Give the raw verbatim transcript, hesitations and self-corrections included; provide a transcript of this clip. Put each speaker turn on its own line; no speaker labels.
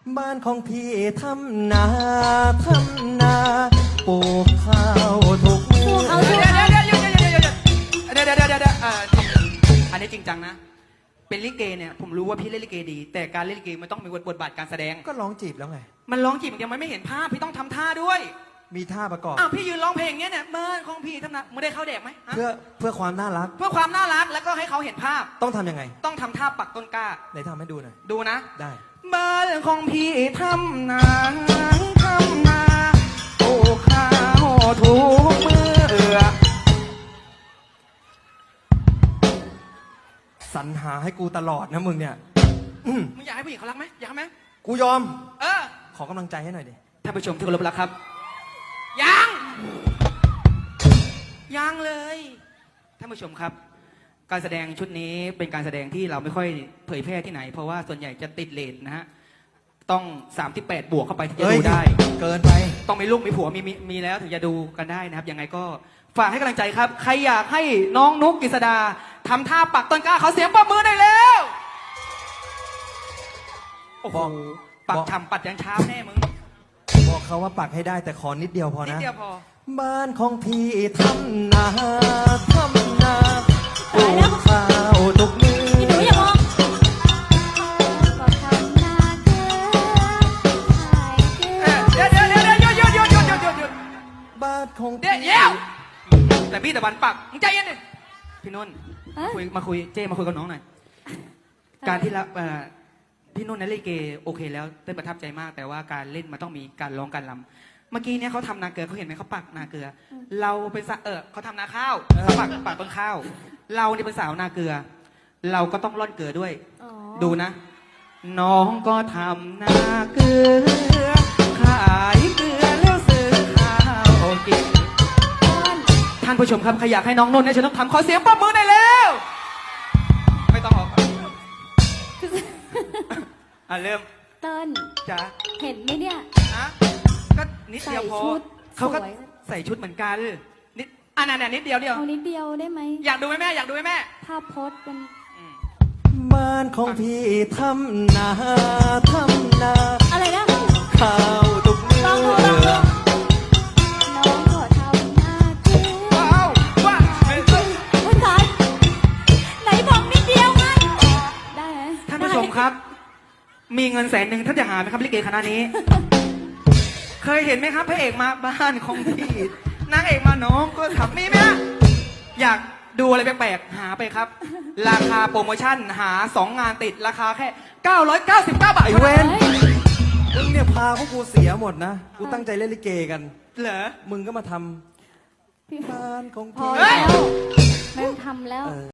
บ้านของพี่ทำนาทำนาปลูกข้าวทุกมือ
เดี๋ยวเดี๋ยวเดี๋ยวเดี๋ยวเดี๋ยวเดี๋ยวเดี๋ยวเดี๋ยวเดี๋ยวเดี๋ยวเดี๋ยวอ่าอันนี้จริงจังนะเป็นลิเกเนี่ยผมรู้ว่าพี่เล่นลิเกดีแต่การเล่นลิเกมันต้องมีบทบาทการแสดง
ก็ร้องจีบแล้วไง
มันร้องจีบอย่างเดียวมันไม่เห็นภาพพี่ต้องทำท่าด้วย
มีท่าประกอบ
อ้าวพี่ยืนร้องเพลงเนี้ยเนี่ยบ้านของพี่ทำนาไม่ได้เข้าแดกไหมฮะ
เพื่อเพื่อความน่ารัก
เพื่อความน่ารักแล้วก็ให้เขาเห็นภาพ
ต้องทำยังไง
ต้องทำท่าปักต้นกล้า
ไหนทำให้ดูหน่อย
ดูนะ
ได้
บ้านของพี่ทำนาทำนาปลูกข้าวทุกมือ
สรรหาให้กูตลอดนะมึงเนี่ยอื้อ
มึงอยากให้ผู้หญิงเขารักไหมอยากไหม
กูยอม
เออ
ขอกำลังใจให้หน่อยดิ
ท่านผู้ชมที่เคารพรักครับ ยังยังเลยท่านผู้ชมครับ การแสดงชุดนี้เป็นการแสดงที่เราไม่ค่อยเผยแพร่ที่ไหน เพราะว่าส่วนใหญ่จะติดเลทนะฮะต้องสามที่แปดบวกเข้าไปถึงจะ
เอ้ย
ดูได้
เกินไป
ต้องมีลูกมีผัวมีมีมีแล้วถึงจะดูกันได้นะครับยังไงก็ฝากให้กำลังใจครับ ใครอยากให้น้องนุ๊กกฤษดาทำท่าปักต้นกล้าเขาเสียงปรบมือได้แล้วโอ้โห
บอก
ปัก
บอก
ทำปัดยันเช้าแน่มึง
บอกเขาว่าปักให้ได้แต่ขอนิดเดียวพอ
นิด
นะ
เดียวพอ
บ้านของพี่ทำนาทำนาปลูกข้าวทุกมือ
พี่หนูอย่ามองก็ทำนาเกลือขายเกลือ
เดี๋ยวเดี๋ยวเดี๋ยวเดี๋ยวหยุดหยุดหยุดหยุดหยุดหยุด
บ้านของ
เดี๋ยว
พี่
เดี๋ยวแต่พี่ตะวันปักมึงใจเย็นดิพี่นุ่น
เอ้ย
คุยมาคุยเจ้มาคุยกับน้องหน่อยการที่ละเอ่อพี่นุ่นในเล่นลิเกโอเคแล้วเต้นประทับใจมาก แต่ว่าการเล่นมันต้องมีการร้องการรำเมื่อกี้เนี่ยเขาทำนาเกลือเขาเห็นไหมเขาปักนาเกลือ เราเป็นสะเออเขาทำนาข้าวเขาปักปักต้นข้าว เราเนี่ยเป็นสาวนาเกลือ เราก็ต้องร่อนเกลือด้วย
อ๋อ
ดูนะ น้องก็ทำนาเกลือ ขายเกลือแล้วซื้อข้าวกิน
ต้น
ท่านผู้ชมครับใครอยากให้น้องนุ่นเนี่ยฉันต้องทำขอเสียงปรบมือได้แล้ว ไม่ต้องออกอ่ะเริ่ม
ต้น
จ้า
เห็นไหมเนี่ย
นะก็นิดเดียวพอ
ใส่ชุด
เขาก็
สวย
ใส่ชุดเหมือนกันนิดอ่ะนั่นๆนิดเดียวเดียว
เอานิดเดียวได้ไหม
อยากดูไหมแม่อยากดูไหมแม่
ภาพโพสต์มัน
อืม
บ้านของพี่ทำนาทำนา
อะไรนะ
ข้าวทุกมือ
ลองดูลองดูน้องก็ทำนาเกลือ
ว้าวว้าวเฮ้ย
เฮ้ยสายไหนบอกนิดเดียวไงได้ไหม
ท่านผู้ชมครับ มีเงินแสนหนึ่งท่านจะหาไหมครับลิเกคณะนี้ เคยเห็นไหมครับพระเอกมาบ้านของพี่นางเอกมาน้องก็ทำมีไหมฮะอยากดูอะไรแปลกๆหาไปครับ ราคาโปรโมชั่นหาสองงานติดราคาแค่เก้าร้อยเก้าสิบเก้าบาท
ไอ้
เท่า
เว้
นั้น
นมึงเนี่ยพาพวกกูเสียหมดนะ กูตั้งใจเล่นลิเกกัน
เหรอ
มึงก็มาทำ
พี่
บ้านของ
พอ
พี่
แล้วไม่ต้องทำแล้ว